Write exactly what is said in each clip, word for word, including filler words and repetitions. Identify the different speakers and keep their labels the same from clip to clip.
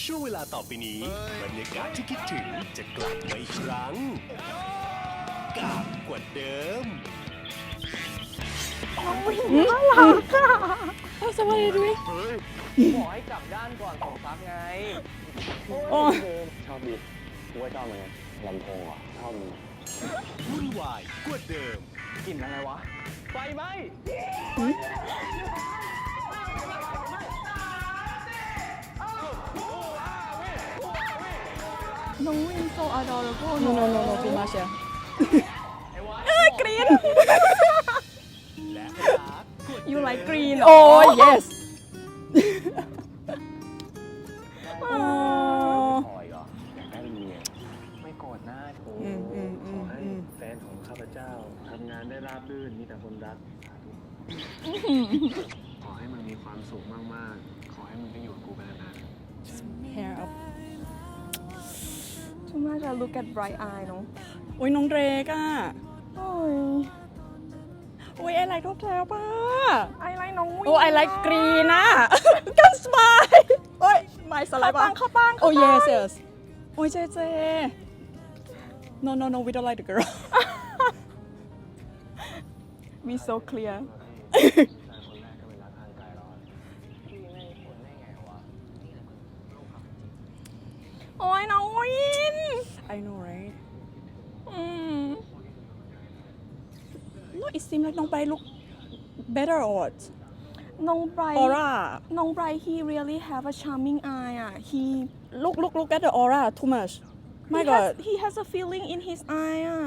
Speaker 1: ช่วงเวลาต่อไปนี้บรรยากาศที่คิดถึงจะกลับมาอีกครั้งกับกว่าเดิม
Speaker 2: น้องวินน่ารักอ่ะ
Speaker 3: สวัสดีด้วย
Speaker 4: เฮ้ยบอกให้กลับด้านก่อนส่งซับไง
Speaker 3: โอ้ย
Speaker 4: ชอบดิกูว่าชอบเหมือนกันลำโพงอ่ะชอบมึง
Speaker 1: วุ่นวายกว่าเดิม
Speaker 4: กลิ่นอะไรวะ ไฟไหม
Speaker 2: น้องวิน so adorable
Speaker 3: no no no no too much อ่ะ
Speaker 2: เอ้ยกรีน
Speaker 1: และรักกว่า
Speaker 2: you like green
Speaker 3: โอ้ yes
Speaker 4: ขออีกเหรออยากได้เมียไม่โกรธหน้ากู
Speaker 3: อืมอืมอื
Speaker 4: ขอ
Speaker 3: ม
Speaker 4: ให้
Speaker 3: อืม
Speaker 4: แฟนของข้าพเจ้าทำงานได้ราบรื่นมีแต่คนรักสาธุขอให้มึงมีความสุขมากๆ ขอให้มึงได้อยู่กับกูไปนาน
Speaker 3: hair up
Speaker 2: too much I look at bright eye เนาะ
Speaker 3: โอ้ยน้องเดรกอ่ะ
Speaker 2: โอ้ย
Speaker 3: โอ้ย I like ท็อปแท็บอ่ะ
Speaker 2: I like น้องวิน
Speaker 3: โอ้ I like green อ่ะ กันสไมล์โอ้ยไม่สไล
Speaker 2: เข้า
Speaker 3: ด์
Speaker 2: ปั
Speaker 3: ป่ะ
Speaker 2: งเข้าปัง
Speaker 3: โอ้ yes yes โอ้ยเจเจ no no no we don't like the girl
Speaker 2: we so clear
Speaker 4: ๆผู้ชายคนแรกก็เป็นรักทางไกลแล้วพี่ไม่ผลได้ไงวะ
Speaker 2: โอ้ยน้องวิน
Speaker 3: I know right
Speaker 2: อืม
Speaker 3: no it seems like น้องไป look better or what
Speaker 2: น้องไบรท์
Speaker 3: aura
Speaker 2: น้องไบรท์ he really have a charming eye อ่ะ he
Speaker 3: look look look at the aura too much my
Speaker 2: he
Speaker 3: god
Speaker 2: has, he has a feeling in his eye อ่ะ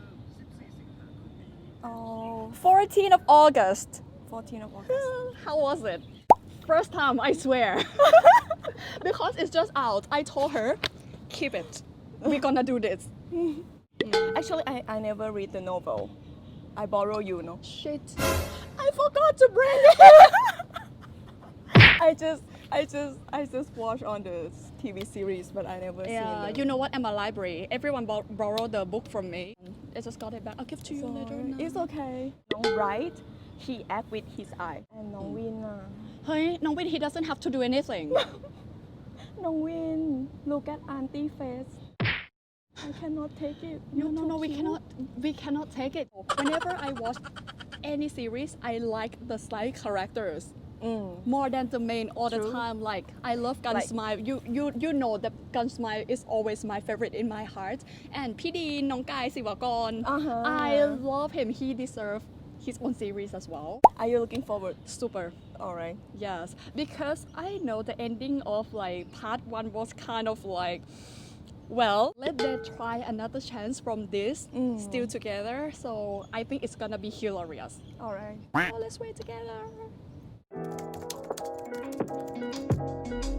Speaker 2: oh
Speaker 3: fourteenth of August
Speaker 2: fourteen of August
Speaker 3: how was it first time I swear because it's just out I told her keep it we're gonna do this
Speaker 2: actually I I never read the novel I borrow you know
Speaker 3: shit I forgot to bring it
Speaker 2: I just I just I just watch on the T V series but I never
Speaker 3: yeah
Speaker 2: seen the
Speaker 3: you know what I'm a library everyone bor- borrow the book from me I just got it back I'll give to you
Speaker 2: So,
Speaker 3: later now.
Speaker 2: it's okay น้องไบรท์ he act with his eye and น้องวินอ่ะ
Speaker 3: เฮ้ยน้องวิน he doesn't have to do anything
Speaker 2: น้องวิน look at auntie face I cannot take it
Speaker 3: no
Speaker 2: You're
Speaker 3: no
Speaker 2: too
Speaker 3: no we
Speaker 2: cute.
Speaker 3: cannot we cannot take it whenever I watch any series I like the side characters
Speaker 2: Mm.
Speaker 3: more than the main all the
Speaker 2: True.
Speaker 3: time like I love Gun
Speaker 2: Like-
Speaker 3: Smile you you you know that Gun Smile is always my favorite in my heart and พี่ดีนน้องกายศิวากร
Speaker 2: Uh-huh.
Speaker 3: I love him he deserves his own series as well
Speaker 2: Are you looking forward
Speaker 3: super
Speaker 2: alright
Speaker 3: yes because I know the ending of like part one was kind of like well let them try another chance from this
Speaker 2: Mm.
Speaker 3: still together so I think it's gonna be hilarious
Speaker 2: alright
Speaker 3: so let's wait together